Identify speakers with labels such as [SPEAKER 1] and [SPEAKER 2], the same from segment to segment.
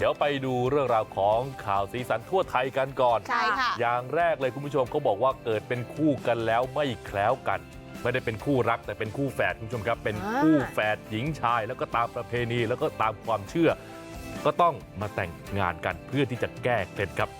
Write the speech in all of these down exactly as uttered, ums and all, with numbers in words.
[SPEAKER 1] ดี๋ยวไปดูเรื่องราวของข่าวสีสันทั่วไทยกันก่อน
[SPEAKER 2] ใช่ค่ะ
[SPEAKER 1] อย่างแรกเลยคุณผู้ชมเขาบอกว่าเกิดเป็นคู่กันแล้วไม่แคล้วกันไม่ได้เป็นคู่รักแต่เป็นคู่แฝดคุณผู้ชมครับเป็นคู่แฝดหญิงชายแล้วก็ตามประเพณีแล้วก็ตามความเชื่อก็ต้องมาแต่งงานกันเพื่อที่จะแก้เคล็ดครับ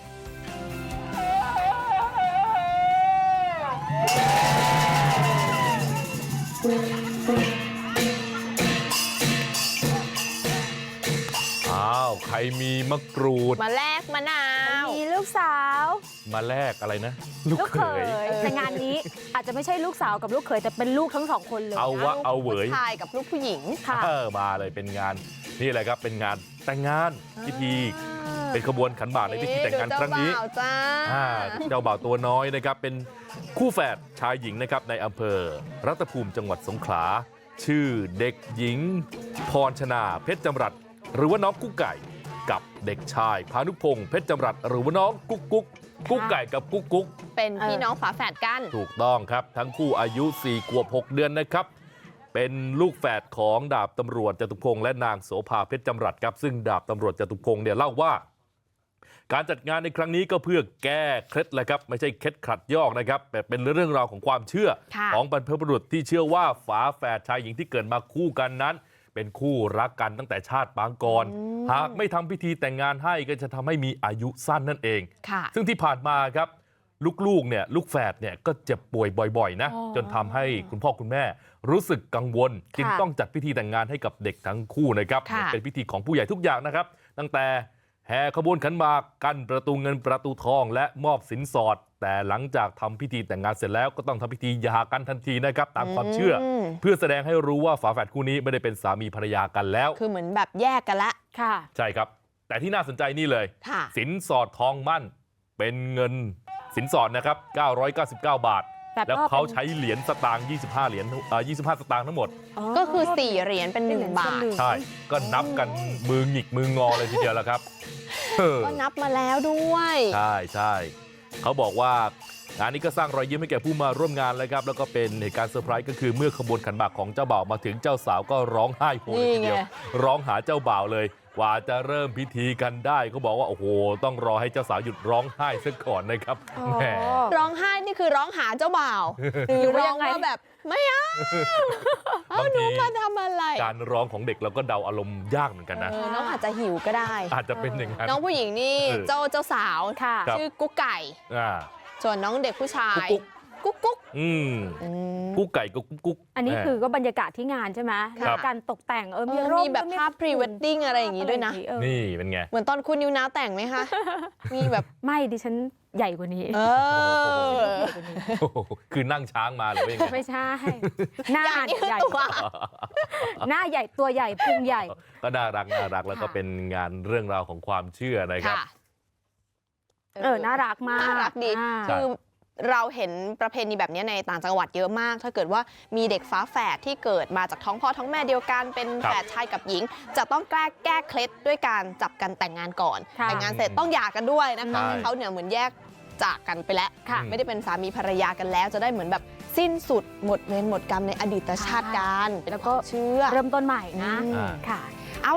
[SPEAKER 1] อ้าวใครมีมะกรูด
[SPEAKER 2] มาแลกมะนาว
[SPEAKER 3] มีลูกสาว
[SPEAKER 1] มาแลกอะไรนะ
[SPEAKER 3] ลูกเขยแต่งานนี้อาจจะไม่ใช่ลูกสาวกับลูกเขยแต่เป็นลูกทั้งสองคนเลย
[SPEAKER 1] เอาวะเอาเหวย
[SPEAKER 2] ผู้ชายกับลูกผู้หญิง
[SPEAKER 3] ค่ะ
[SPEAKER 1] มาเลยเป็นงานนี่แหละครับเป็นงานแต่งงานพิธีเป็นขบวนขันหมากในพิธีแต่งงานครั้งนี้เจ้าบ่าวตัวน้อยนะครับเป็นคู่แฝดชายหญิงนะครับในอำเภอรัตภูมิจังหวัดสงขลาชื่อเด็กหญิงพรชนาเพชรจำรัดหรือว่าน้องกุ๊กไก่กับเด็กชายพานุพงษ์เพชรจำรัดหรือว่าน้องกุ๊กกุ๊กกุ๊กไก่กับกุ๊กกุ๊ก
[SPEAKER 2] เป็นพี่น้องฝาแฝดกัน
[SPEAKER 1] ถูกต้องครับทั้งคู่อายุสี่ขวบหกเดือนนะครับเป็นลูกแฝดของดาบตำรวจจตุพงษ์และนางโสภาเพชรจำรัดครับซึ่งดาบตำรวจจตุพงษ์เนี่ยเล่าว่าการจัดงานในครั้งนี้ก็เพื่อแก้เคล็ดแหละครับไม่ใช่เคล็ดขัดยอกนะครับแต่เป็นเรื่องราวของความเชื่อของบรรพบุรุษที่เชื่อว่าฝาแฝดชายหญิงที่เกิดมาคู่กันนั้นเป็นคู่รักกันตั้งแต่ชาติปางก่อนหากไม่ทำพิธีแต่งงานให้ก็จะทำให้มีอายุสั้นนั่นเองซึ่งที่ผ่านมาครับลูกๆเนี่ยลูกแฝดเนี่ยก็เจ็บป่วยบ่อยๆนะจนทำให้คุณพ่อคุณแม่รู้สึกกังวลจึงต้องจัดพิธีแต่งงานให้กับเด็กทั้งคู่นะครับเป็นพิธีของผู้ใหญ่ทุกอย่างนะครับตั้งแต่แห่ขบวนขันหมากกั้นประตูเงินประตูทองและมอบสินสอดแต่หลังจากทำพิธีแต่งงานเสร็จแล้วก็ต้องทำพิธีหย่ากันทันทีนะครับตามความเชื่อเพื่อแสดงให้รู้ว่าฝาแฝดคู่นี้ไม่ได้เป็นสามีภรรยากันแล้ว
[SPEAKER 2] คือเหมือนแบบแยกกันละ
[SPEAKER 3] ค่ะ
[SPEAKER 1] ใช่ครับแต่ที่น่าสนใจนี่เลยสินสอดทองมั่นเป็นเงินสินสอดนะครับเก้าร้อยเก้าสิบเก้าบาทแล้วเขาใช้เหรียญสตางค์ยี่สิบห้าเหรียญเอ่อยี่สิบห้าสตางค์ทั้งหมด
[SPEAKER 2] ก็คือสี่เหรียญเป็นหนึ่งบาท
[SPEAKER 1] ใช่ก็นับกันมือหงิกมืองอเลยทีเดียวแล้วครับ
[SPEAKER 2] ก็นับมาแล้วด้วย
[SPEAKER 1] ใช่ใช่เขาบอกว่างานนี้ก็สร้างรอยยิ้มให้แก่ผู้มาร่วมงานเลยครับแล้วก็เป็นเหตุการณ์เซอร์ไพรส์ก็คือเมื่อขบวนขันหมากของเจ้าบ่าวมาถึงเจ้าสาวก็ร้องไห้โฮเลยทีเดียวร้องหาเจ้าบ่าวเลยกว่าจะเริ่มพิธีกันได้เขาบอกว่าโอ้โหต้องรอให้เจ้าสาวหยุดร้องไห้ซะก่อนนะครับแหม
[SPEAKER 2] ร้องไห้นี่คือร้องหาเจ้าบ่าวหรือร้องว่าแบบไม่เอาเอาหนูมาทำอะไร
[SPEAKER 1] การร้องของเด็กเราก็เดาอารมณ์ยากเหมือนกันนะ
[SPEAKER 2] น้องอาจจะหิวก็ได้
[SPEAKER 1] อาจจะเป็นอย่างนั้น
[SPEAKER 2] น้องผู้หญิงนี่เจ้าเจ้าสาวชื่อกุ๊กไก่ส่วนน้องเด็กผู้ชายกุ๊กกุ๊ก
[SPEAKER 1] อืมกุ๊กไก่กับกุ๊กกุ๊ก
[SPEAKER 3] อันนี้คือก็บรรยากาศที่งานใช่ไหมการตกแต่งเออมีร่ม
[SPEAKER 2] มีแบบภาพพรีเวดดิ้งอะไรอย่างงี้ด้วยนะ
[SPEAKER 1] นี่เป็นไง
[SPEAKER 2] เหมือนตอนคุณนิวนาวแต่งไหมคะมีแบบ
[SPEAKER 3] ไม่ดิฉันใหญ่กว่านี้
[SPEAKER 2] เออ
[SPEAKER 1] คือนั่งช้างมาหรือว่ายังไง
[SPEAKER 3] ไม่ใช่หน้าใหญ่หน้าใหญ่ตัวใหญ่พุงใหญ่
[SPEAKER 1] ก็น่ารักน่ารักแล้วก็เป็นงานเรื่องราวของความเชื่อนะครับ
[SPEAKER 3] เออน่ารักมาก
[SPEAKER 2] น่ารักดีคือเราเห็นประเพณีแบบนี้ในต่างจังหวัดเยอะมากถ้าเกิดว่ามีเด็กฝาแฝดที่เกิดมาจากท้องพ่อท้องแม่เดียวกันเป็นแฝดชายกับหญิงจะต้องแก้แก้เคล็ดด้วยการจับกันแต่งงานก่อนแต่งงานเสร็จต้องหย่ากันด้วยนะคะให้เขาเนี่ยเหมือนแยกจากกันไปแล้วไม่ได้เป็นสามีภรรยากันแล้วจะได้เหมือนแบบสิ้นสุดหมดเวรหมดกรรมในอดีตชาติกัน
[SPEAKER 3] แล้วก็
[SPEAKER 2] เชื่อ
[SPEAKER 3] เริ่มต้นใหม่นะค่ะ